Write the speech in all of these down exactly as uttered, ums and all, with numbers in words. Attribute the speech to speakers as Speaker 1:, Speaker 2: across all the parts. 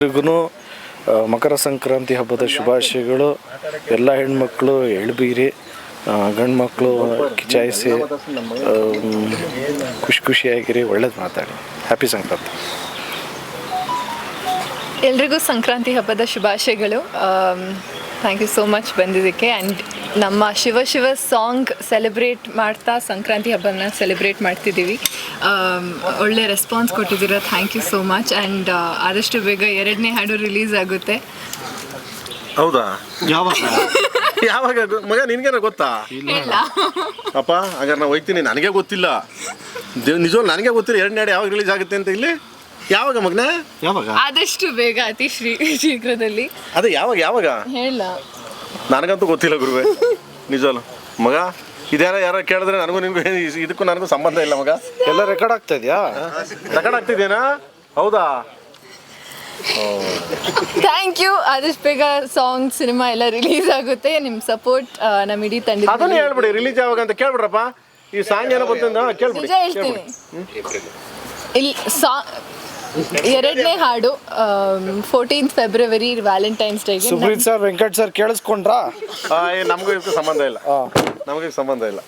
Speaker 1: ಎಲ್ರಿಗೂ ಮಕರ ಸಂಕ್ರಾಂತಿ ಹಬ್ಬದ ಶುಭಾಶಯಗಳು. ಎಲ್ಲ ಹೆಣ್ಮಕ್ಳು ಎಳ್ಬೀರಿ, ಗಂಡು ಮಕ್ಕಳು ಕಿಚಾಯಿಸಿ ಖುಷಿ ಖುಷಿಯಾಗಿರಿ, ಒಳ್ಳೇದು ಮಾತಾಡಿ. ಹ್ಯಾಪಿ ಸಂಕ್ರಾಂತಿ.
Speaker 2: ಎಲ್ರಿಗೂ ಸಂಕ್ರಾಂತಿ ಹಬ್ಬದ ಶುಭಾಶಯಗಳು. ಥ್ಯಾಂಕ್ ಯು ಸೋ ಮಚ್ ಬಂದಿದ್ದಕ್ಕೆ. ಆ್ಯಂಡ್ ನಮ್ಮ ಶಿವ ಶಿವ ಸಾಂಗ್ ಸೆಲೆಬ್ರೇಟ್ ಮಾಡ್ತಾ ಸಂಕ್ರಾಂತಿ ಹಬ್ಬನ ಸೆಲೆಬ್ರೇಟ್ ಮಾಡ್ತಿದ್ದೀವಿ. ಒಳ್ಳೆ ರೆಸ್ಪಾನ್ಸ್ ಕೊಟ್ಟಿದ್ದೀರ, thank you so much. And ಆದಷ್ಟು ಬೇಗ ಎರಡನೇ ಹಾಡು ರಿಲೀಸ್ ಆಗುತ್ತೆ.
Speaker 3: ಹೌದಾ? ಯಾವಾಗ ಯಾವಾಗ ಮಗ ನಿನಗೇನ ಗೊತ್ತಾ? ಅಪ್ಪ ಹಾಗಾದ್ರೆ ನಾವು ಹೋಗ್ತೀನಿ, ನನಗೆ ಗೊತ್ತಿಲ್ಲ, ನಿಜವೂ ನನಗೆ ಗೊತ್ತಿಲ್ಲ ಎರಡನೇ ಹಾಡು ಯಾವಾಗ ರಿಲೀಸ್ ಆಗುತ್ತೆ ಅಂತ. ಇಲ್ಲಿ ಯಾವಾಗ ಮಗನ? ಯಾವಾಗ?
Speaker 2: ಆದಷ್ಟು ಬೇಗ, ಅತಿ ಶ್ರೀ ಶೀಘ್ರದಲ್ಲಿ.
Speaker 3: ಅದೇ ಯಾವಾಗ ಯಾವಾಗ
Speaker 2: ಹೇಳ,
Speaker 3: ನನಗಂತೂ ಗೊತ್ತಿಲ್ಲ ಗುರುವೆ, ನಿಜವಲ್ಲ ಮಗ. ಇದ್ಯಾರ ಯಾರ ಕೇಳಿದ್ರೆ ನನಗೂ ನಿನ್ಗೂ ಇದಕ್ಕೂ ನನಗೂ ಸಂಬಂಧ ಇಲ್ಲ ಮಗ.
Speaker 1: ಎಲ್ಲ ರೆಕಾರ್ಡ್ ಆಗ್ತಾ ಇದೆಯಾ?
Speaker 3: ರೆಕಾರ್ಡ್ ಆಗ್ತಿದೇನಾ? ಹೌದಾ?
Speaker 2: Thank you. ಆದಷ್ಟು ಬೇಗ ಸಾಂಗ್ ಸಿನಿಮಾ ಎಲ್ಲ ರಿಲೀಸ್ ಆಗುತ್ತೆ. ನಿಮ್ಮ ಸಪೋರ್ಟ್ ನಮ್ಮ ಇಡೀ ತಂಡ.
Speaker 3: ಅದನ್ನು ಹೇಳ್ಬಿಡಿ, ರಿಲೀಸ್ ಯಾವಾಗ ಅಂತ ಕೇಳ್ಬಿಡ್ರಪ್ಪ. ಈ ಸಾಂಗ್ ಏನೋ ಗೊತ್ತಿಂದ ಕೇಳ್ಬಿಡಿ.
Speaker 2: ನಿಜ ಹೇಳ್ತೀನಿ, ಇಲ್ಲಿ ಸಾ ಎರಡನೇ ಹಾಡು ಫೋರ್ಟೀನ್ತ್ ಫೆಬ್ರವರಿ ವ್ಯಾಲೆಂಟೈನ್ಸ್ ಡೇಗೆ.
Speaker 1: ಸುಬ್ರೀತ್ ಸರ್, ವೆಂಕಟ್ ಸರ್ ಕೇಳಿಸ್ಕೊಂಡ್ರಾ?
Speaker 3: ನಮಗೂ ಇದಕ್ಕೂ ಸಂಬಂಧ ಇಲ್ಲ, ನಮಗೆ ಸಂಬಂಧ ಇಲ್ಲ.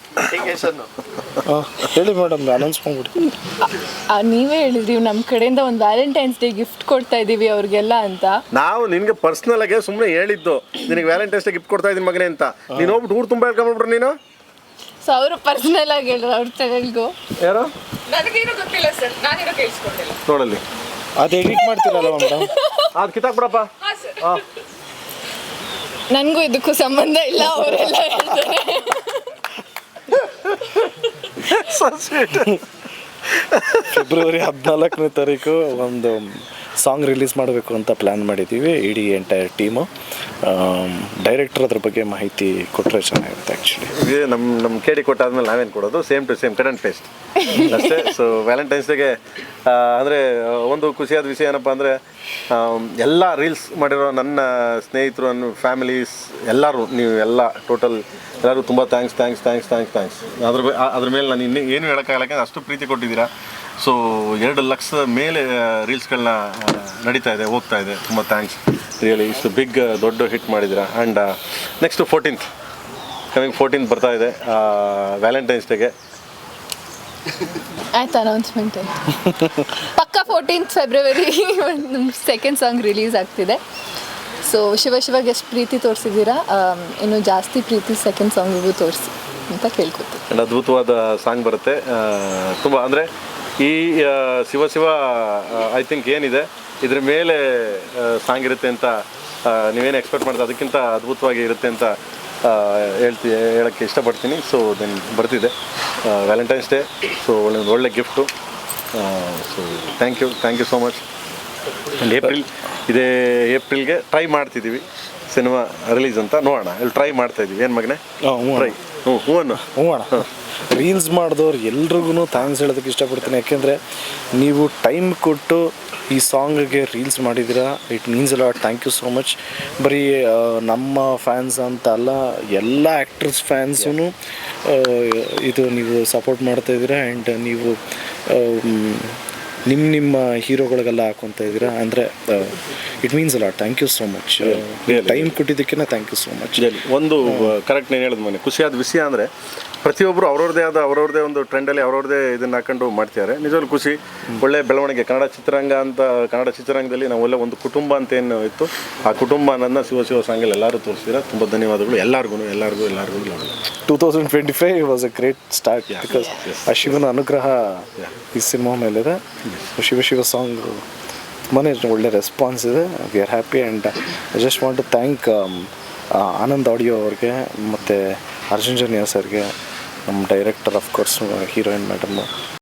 Speaker 1: ಹೇಳಿ ಮೇಡಮ್, ಅನೌನ್ಸ್ ಮಾಡ್ಬಿಡಿ.
Speaker 2: ನೀವೇ ಹೇಳಿದ್ರಿ ನಮ್ಮ ಕಡೆಯಿಂದ ಒಂದು ವ್ಯಾಲೆಂಟೈನ್ಸ್ ಡೇ ಗಿಫ್ಟ್ ಕೊಡ್ತಾ ಇದೀವಿ ಅವ್ರಿಗೆಲ್ಲ ಅಂತ.
Speaker 3: ನಾವು ನಿನ್ಗೆ ಪರ್ಸನಲ್ ಆಗಿ ಸುಮ್ಮನೆ ಹೇಳಿದ್ದು, ನಿನಗೆ ವ್ಯಾಲೆಂಟೈನ್ಸ್ ಡೇ ಗಿಫ್ಟ್ ಕೊಡ್ತಾ ಇದ್ದೀನಿ ಮಗನೇ ಅಂತ. ನೀನು ಹೋಗ್ಬಿಟ್ಟು ಊರು ತುಂಬ ಹೇಳ್ಕೊಂಡ್ಬಿಟ್ರು ನೀನು.
Speaker 2: ಸೊ ಅವರು ಪರ್ಸನಲ್ ಆಗಿ ಹೇಳಿದ್ರು ಅವ್ರ ಚಾನಲ್ಗೂ.
Speaker 3: ಯಾರು?
Speaker 2: ನನಗೇನು ಗೊತ್ತಿಲ್ಲ ಸರ್, ನಾನೇನು ಕೇಳಿಸ್ಕೊಂಡಿಲ್ಲ.
Speaker 3: ನೋಡಲ್ಲಿ
Speaker 1: ಅದು ಎಡಿಟ್ ಮಾಡ್ತೀರಲ್ಲ ಮೇಡಮ್,
Speaker 3: ಅದು ಕಿತ್ತಾಕ್ಬಿಡಪ್ಪ. ಹಾಂ,
Speaker 2: ನನಗೂ ಇದಕ್ಕೂ ಸಂಬಂಧ ಇಲ್ಲ, ಅವರೆಲ್ಲ ಹೇಳ್ತಾರೆ.
Speaker 1: ಫೆಬ್ರವರಿ ಹದಿನಾಲ್ಕನೇ ತಾರೀಕು ಒಂದು ಸಾಂಗ್ ರಿಲೀಸ್ ಮಾಡಬೇಕು ಅಂತ ಪ್ಲ್ಯಾನ್ ಮಾಡಿದ್ದೀವಿ, ಇಡೀ ಎಂಟೈರ್ ಟೀಮು. ಡೈರೆಕ್ಟರ್ ಅದ್ರ ಬಗ್ಗೆ ಮಾಹಿತಿ ಕೊಟ್ಟರೆ ಚೆನ್ನಾಗಿರುತ್ತೆ. ಆ್ಯಕ್ಚುಲಿ
Speaker 3: ಇದು ನಮ್ಮ ನಮ್ಮ ಕೇಳಿ ಕೊಟ್ಟಾದ್ಮೇಲೆ ನಾವೇನು ಕೊಡೋದು, same to same cut and paste ಅಷ್ಟೇ. ಸೊ ವ್ಯಾಲೆಂಟೈನ್ಸ್ ಡೇಗೆ ಅಂದರೆ ಒಂದು ಖುಷಿಯಾದ ವಿಷಯ ಏನಪ್ಪ ಅಂದರೆ, ಎಲ್ಲ ರೀಲ್ಸ್ ಮಾಡಿರೋ ನನ್ನ ಸ್ನೇಹಿತರು, ನನ್ನ ಫ್ಯಾಮಿಲೀಸ್ ಎಲ್ಲರೂ, ನೀವು ಎಲ್ಲ ಟೋಟಲ್ ಎಲ್ಲರೂ ತುಂಬ thanks thanks thanks thanks thanks ಅದ್ರ ಅದ್ರ ಮೇಲೆ ನಾನು ಇನ್ನೂ ಏನು ಹೇಳೋಕ್ಕಾಗಲ್ಲ, ಅಷ್ಟು ಪ್ರೀತಿ ಕೊಟ್ಟಿದ್ದೀರಾ. ಸೊ ಎರಡು ಲಕ್ಷದ ಮೇಲೆ ರೀಲ್ಸ್ಗಳನ್ನ ನಡೀತಾ ಇದೆ, ಹೋಗ್ತಾ ಇದೆ. ತುಂಬ ಥ್ಯಾಂಕ್ಸ್ ರಿಯಲಿ. ಇಷ್ಟು ಬಿಗ್ ದೊಡ್ಡ ಹಿಟ್ ಮಾಡಿದ್ದೀರಾ. And next fourteenth coming fourteenth ಬರ್ತಾ ಇದೆ ವ್ಯಾಲೆಂಟೈನ್ಸ್ ಡೇಗೆ.
Speaker 2: ಆಯ್ತು, ಅನೌನ್ಸ್ಮೆಂಟ್ ಆಯ್ತು. ಪಕ್ಕ ಫೋರ್ಟೀನ್ತ್ ಫೆಬ್ರವರಿ ನಮ್ಮ ಸೆಕೆಂಡ್ ಸಾಂಗ್ ರಿಲೀಸ್ ಆಗ್ತಿದೆ. ಸೊ ಶಿವ ಶಿವಾಗ ಎಷ್ಟು ಪ್ರೀತಿ ತೋರಿಸಿದ್ದೀರಾ, ಇನ್ನು ಜಾಸ್ತಿ ಪ್ರೀತಿ ಸೆಕೆಂಡ್ ಸಾಂಗಿಗೂ ತೋರಿಸಿ ಅಂತ ಕೇಳ್ಕೊತೀನಿ.
Speaker 3: ಆ್ಯಂಡ್ ಅದ್ಭುತವಾದ ಸಾಂಗ್ ಬರುತ್ತೆ ತುಂಬ. ಅಂದರೆ ಈ ಶಿವ ಶಿವ ಐ ಥಿಂಕ್ ಏನಿದೆ ಇದ್ರ ಮೇಲೆ ಸಾಂಗ್ ಇರುತ್ತೆ ಅಂತ ನೀವೇನು ಎಕ್ಸ್ಪೆಕ್ಟ್ ಮಾಡ್ತೀವಿ, ಅದಕ್ಕಿಂತ ಅದ್ಭುತವಾಗಿ ಇರುತ್ತೆ ಅಂತ ಹೇಳ್ತಿ ಹೇಳೋಕ್ಕೆ ಇಷ್ಟಪಡ್ತೀನಿ. ಸೊ ದೆನ್ ಬರ್ತಿದೆ ವ್ಯಾಲೆಂಟೈನ್ಸ್ ಡೇ. ಸೊ ಒಳ್ಳೆ ಒಳ್ಳೆ gift. So thank you thank you so much. And April ಇದೇ ಏಪ್ರಿಲ್ಗೆ ಟ್ರೈ ಮಾಡ್ತಿದ್ದೀವಿ ಸಿನಿಮಾ ರಿಲೀಸ್ ಅಂತ. ನೋಡೋಣ, ಇಲ್ಲಿ ಟ್ರೈ ಮಾಡ್ತಾಯಿದ್ದೀವಿ. ಏನು ಮಗನೇ? ಟ್ರೈ. ಹ್ಞೂ ಹ್ಞೂ ಅನ್ನು
Speaker 1: ಹ್ಞೂ ಅಣ್ಣ. ರೀಲ್ಸ್ ಮಾಡಿದವ್ರು ಎಲ್ರಿಗೂ ಥ್ಯಾಂಕ್ಸ್ ಹೇಳೋದಕ್ಕೆ ಇಷ್ಟಪಡ್ತೀನಿ. ಯಾಕೆಂದರೆ ನೀವು ಟೈಮ್ ಕೊಟ್ಟು ಈ ಸಾಂಗಿಗೆ ರೀಲ್ಸ್ ಮಾಡಿದ್ದೀರಾ, ಇಟ್ ಮೀನ್ಸ್ ಅಲ್ಲ. Thank you so much. ಬರೀ ನಮ್ಮ ಫ್ಯಾನ್ಸ್ ಅಂತ ಅಲ್ಲ, ಎಲ್ಲ ಆ್ಯಕ್ಟರ್ಸ್ ಫ್ಯಾನ್ಸೂ ಇದು ನೀವು ಸಪೋರ್ಟ್ ಮಾಡ್ತಾಯಿದ್ದೀರಾ. ಆ್ಯಂಡ್ ನೀವು ನಿಮ್ಮ ನಿಮ್ಮ ಹೀರೋಗಳಿಗೆಲ್ಲ ಹಾಕೊತಾ ಇದ್ದೀರಾ ಅಂದರೆ ಇಟ್ ಮೀನ್ಸ್ ಅಲ್ಲ. Thank you so much. Time ಕೊಟ್ಟಿದ್ದಕ್ಕಿಂತ ಥ್ಯಾಂಕ್ ಯು ಸೋ ಮಚ್.
Speaker 3: ಒಂದು ಕರೆಕ್ಟ್ నేను ಹೇಳಿದ ಮನೆ ಖುಷಿಯಾದ ವಿಷಯ ಅಂದರೆ, ಪ್ರತಿಯೊಬ್ಬರು ಅವ್ರವ್ರದ್ದೇ ಆದ ಅವ್ರವ್ರದ್ದೇ ಒಂದು ಟ್ರೆಂಡಲ್ಲಿ ಅವ್ರವ್ರದ್ದೇ ಇದನ್ನು ಹಾಕೊಂಡು ಮಾಡ್ತಿದ್ದಾರೆ. ನಿಜವಾಗ್ಲೂ ಖುಷಿ, ಒಳ್ಳೆ ಬೆಳವಣಿಗೆ. ಕನ್ನಡ ಚಿತ್ರರಂಗ ಅಂತ ಕನ್ನಡ ಚಿತ್ರರಂಗದಲ್ಲಿ ನಾವು ಒಳ್ಳೆ ಒಂದು ಕುಟುಂಬ ಅಂತ ಏನು ಇತ್ತು, ಆ ಕುಟುಂಬ ನನ್ನ ಶಿವ ಶಿವ ಸಾಂಗಲ್ಲಿ ಎಲ್ಲರೂ ತೋರಿಸಿದ್ರೆ ತುಂಬ ಧನ್ಯವಾದಗಳು ಎಲ್ಲರಿಗೂ ಎಲ್ಲರಿಗೂ ಎಲ್ಲರಿಗೂ.
Speaker 1: Two thousand twenty five was a great start because ಆ ಶಿವನ ಅನುಗ್ರಹ ಈ ಸಿನಿಮಾ ಮೇಲಿದೆ. ಶಿವ ಶಿವ ಸಾಂಗ್ ತುಂಬಾ ಒಳ್ಳೆ ರೆಸ್ಪಾನ್ಸ್ ಇದೆ. We are happy. And I just want to thank Anand audio ಅವ್ರಿಗೆ ಮತ್ತು ಅರ್ಜುನ್ ಜನ್ಯ ಸರ್ಗೆ, ನಮ್ಮ ಡೈರೆಕ್ಟರ್, ಆಫ್ಕೋರ್ಸ್ ಹೀರೋಯಿನ್ ಮೇಡಮ್ಮು.